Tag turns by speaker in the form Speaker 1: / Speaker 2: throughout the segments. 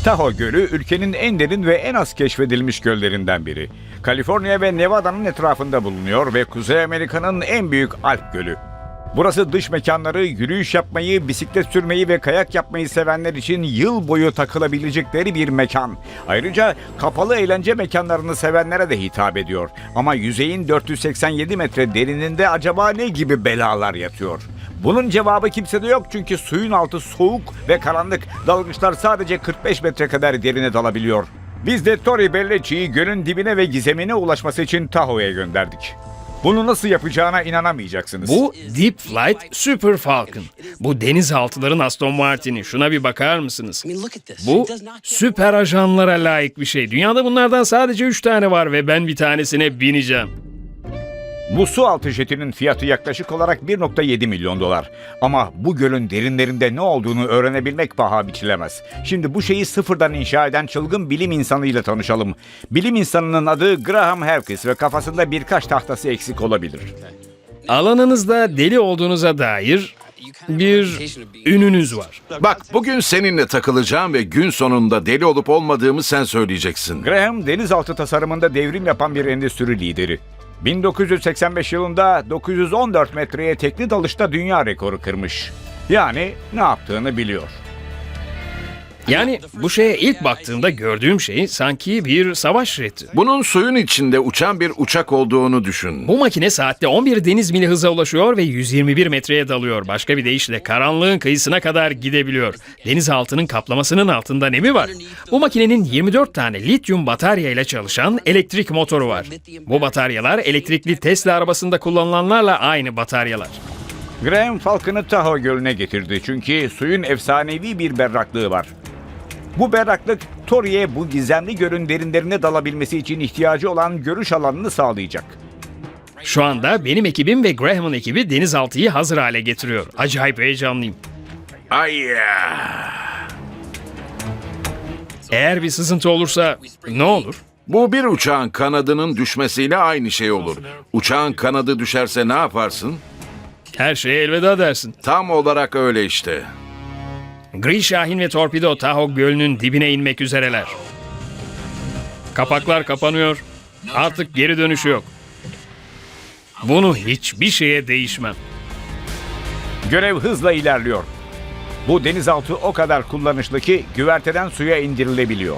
Speaker 1: Tahoe Gölü ülkenin en derin ve en az keşfedilmiş göllerinden biri. Kaliforniya ve Nevada'nın etrafında bulunuyor ve Kuzey Amerika'nın en büyük Alp Gölü. Burası dış mekanları, yürüyüş yapmayı, bisiklet sürmeyi ve kayak yapmayı sevenler için yıl boyu takılabilecekleri bir mekan. Ayrıca kapalı eğlence mekanlarını sevenlere de hitap ediyor. Ama yüzeyin 487 metre derininde acaba ne gibi belalar yatıyor? Bunun cevabı kimsede yok çünkü suyun altı soğuk ve karanlık. Dalgıçlar sadece 45 metre kadar derine dalabiliyor. Biz de Tori Bellecci'yi gölün dibine ve gizemine ulaşması için Tahoe'ye gönderdik. Bunu nasıl yapacağına inanamayacaksınız.
Speaker 2: Bu Deep Flight Super Falcon. Bu denizaltıların Aston Martin'i. Şuna bir bakar mısınız? Bu süper ajanlara layık bir şey. Dünyada bunlardan sadece 3 tane var ve ben bir tanesine bineceğim.
Speaker 1: Bu su altı jetinin fiyatı yaklaşık olarak 1,7 milyon dolar. Ama bu gölün derinlerinde ne olduğunu öğrenebilmek paha biçilemez. Şimdi bu şeyi sıfırdan inşa eden çılgın bilim insanıyla tanışalım. Bilim insanının adı Graham Herkes ve kafasında birkaç tahtası eksik olabilir.
Speaker 2: Alanınızda deli olduğunuza dair bir ününüz var.
Speaker 3: Bak, bugün seninle takılacağım ve gün sonunda deli olup olmadığımı sen söyleyeceksin.
Speaker 1: Graham denizaltı tasarımında devrim yapan bir endüstri lideri. 1985 yılında 914 metreye tekli dalışta dünya rekoru kırmış. Yani ne yaptığını biliyor.
Speaker 2: Yani bu şeye ilk baktığımda gördüğüm şey sanki bir savaş jeti.
Speaker 3: Bunun suyun içinde uçan bir uçak olduğunu düşün.
Speaker 2: Bu makine saatte 11 deniz mili hıza ulaşıyor ve 121 metreye dalıyor. Başka bir deyişle karanlığın kıyısına kadar gidebiliyor. Denizaltının kaplamasının altında ne mi var? Bu makinenin 24 tane lityum batarya ile çalışan elektrik motoru var. Bu bataryalar elektrikli Tesla arabasında kullanılanlarla aynı bataryalar.
Speaker 1: Graham Falcon'ı Tahoe Gölü'ne getirdi çünkü suyun efsanevi bir berraklığı var. Bu berraklık Tori'ye bu gizemli gölün derinlerine dalabilmesi için ihtiyacı olan görüş alanını sağlayacak.
Speaker 2: Şu anda benim ekibim ve Graham'ın ekibi denizaltıyı hazır hale getiriyor. Acayip heyecanlıyım.
Speaker 3: Ay ya.
Speaker 2: Eğer bir sızıntı olursa ne olur?
Speaker 3: Bu bir uçağın kanadının düşmesiyle aynı şey olur. Uçağın kanadı düşerse ne yaparsın?
Speaker 2: Her şeye elveda dersin.
Speaker 3: Tam olarak öyle işte.
Speaker 2: Gri Şahin ve Torpido Tahoe Gölü'nün dibine inmek üzereler. Kapaklar kapanıyor. Artık geri dönüşü yok. Bunu hiçbir şeye değişmem.
Speaker 1: Görev hızla ilerliyor. Bu denizaltı o kadar kullanışlı ki güverteden suya indirilebiliyor.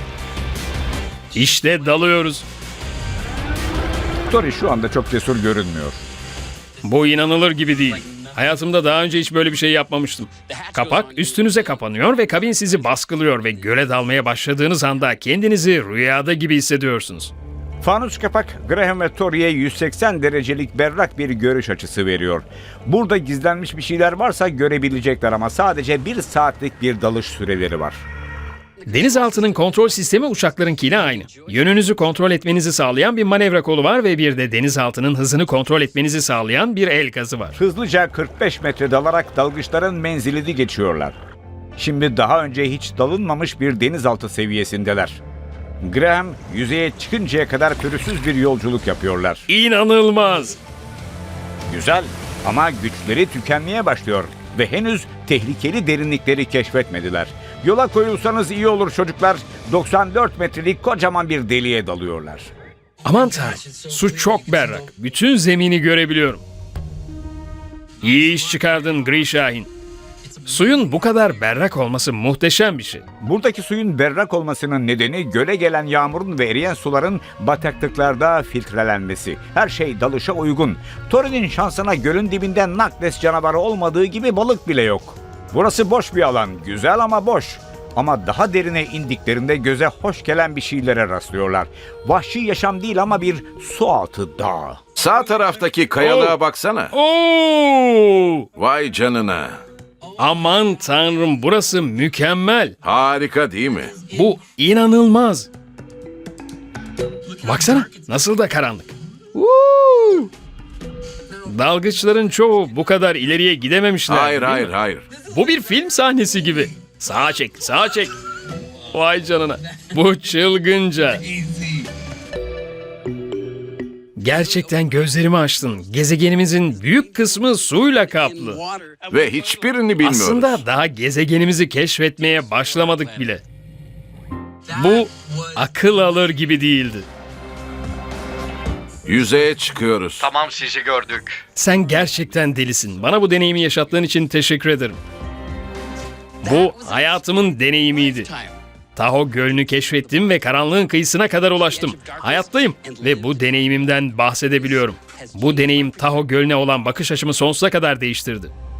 Speaker 2: İşte dalıyoruz.
Speaker 1: Tori şu anda çok cesur görünmüyor.
Speaker 2: Bu inanılır gibi değil. Hayatımda daha önce hiç böyle bir şey yapmamıştım. Kapak üstünüze kapanıyor ve kabin sizi baskılıyor ve göle dalmaya başladığınız anda kendinizi rüyada gibi hissediyorsunuz.
Speaker 1: Fanus kapak Graham ve Tori'ye 180 derecelik berrak bir görüş açısı veriyor. Burada gizlenmiş bir şeyler varsa görebilecekler ama sadece 1 saatlik bir dalış süreleri var.
Speaker 2: Denizaltının kontrol sistemi uçaklarınkiyle aynı. Yönünüzü kontrol etmenizi sağlayan bir manevra kolu var ve bir de denizaltının hızını kontrol etmenizi sağlayan bir el gazı var.
Speaker 1: Hızlıca 45 metre dalarak dalgıçların menzilini geçiyorlar. Şimdi daha önce hiç dalınmamış bir denizaltı seviyesindeler. Graham yüzeye çıkıncaya kadar pürüzsüz bir yolculuk yapıyorlar.
Speaker 2: İnanılmaz!
Speaker 1: Güzel ama güçleri tükenmeye başlıyor ve henüz tehlikeli derinlikleri keşfetmediler. Yola koyulsanız iyi olur çocuklar. 94 metrelik kocaman bir deliğe dalıyorlar.
Speaker 2: Aman tanrım, su çok berrak. Bütün zemini görebiliyorum. İyi iş çıkardın Gri Şahin. Suyun bu kadar berrak olması muhteşem bir şey.
Speaker 1: Buradaki suyun berrak olmasının nedeni göle gelen yağmurun ve eriyen suların bataklıklarda filtrelenmesi. Her şey dalışa uygun. Tori'nin şansına gölün dibinde nakles canavarı olmadığı gibi balık bile yok. Burası boş bir alan, güzel ama boş. Ama daha derine indiklerinde göze hoş gelen bir şeylere rastlıyorlar. Vahşi yaşam değil ama bir sualtı dağı.
Speaker 3: Sağ taraftaki kayalığa baksana.
Speaker 2: Oo!
Speaker 3: Vay canına.
Speaker 2: Aman tanrım, burası mükemmel.
Speaker 3: Harika değil mi?
Speaker 2: Bu inanılmaz. Baksana nasıl da karanlık. Woo! Dalgıçların çoğu bu kadar ileriye gidememişler.
Speaker 3: Hayır,
Speaker 2: değil
Speaker 3: hayır,
Speaker 2: mi?
Speaker 3: hayır.
Speaker 2: Bu bir film sahnesi gibi. Sağa çek, sağa çek. Vay canına. Bu çılgınca. Gerçekten gözlerimi açtın. Gezegenimizin büyük kısmı suyla kaplı.
Speaker 3: Ve hiçbirini bilmiyoruz.
Speaker 2: Aslında daha gezegenimizi keşfetmeye başlamadık bile. Bu akıl alır gibi değildi.
Speaker 3: Yüzeye çıkıyoruz.
Speaker 4: Tamam, sizi gördük.
Speaker 2: Sen gerçekten delisin. Bana bu deneyimi yaşattığın için teşekkür ederim. Bu hayatımın deneyimiydi. Tahoe Gölü'nü keşfettim ve karanlığın kıyısına kadar ulaştım. Hayattayım ve bu deneyimimden bahsedebiliyorum. Bu deneyim Tahoe Gölü'ne olan bakış açımı sonsuza kadar değiştirdi.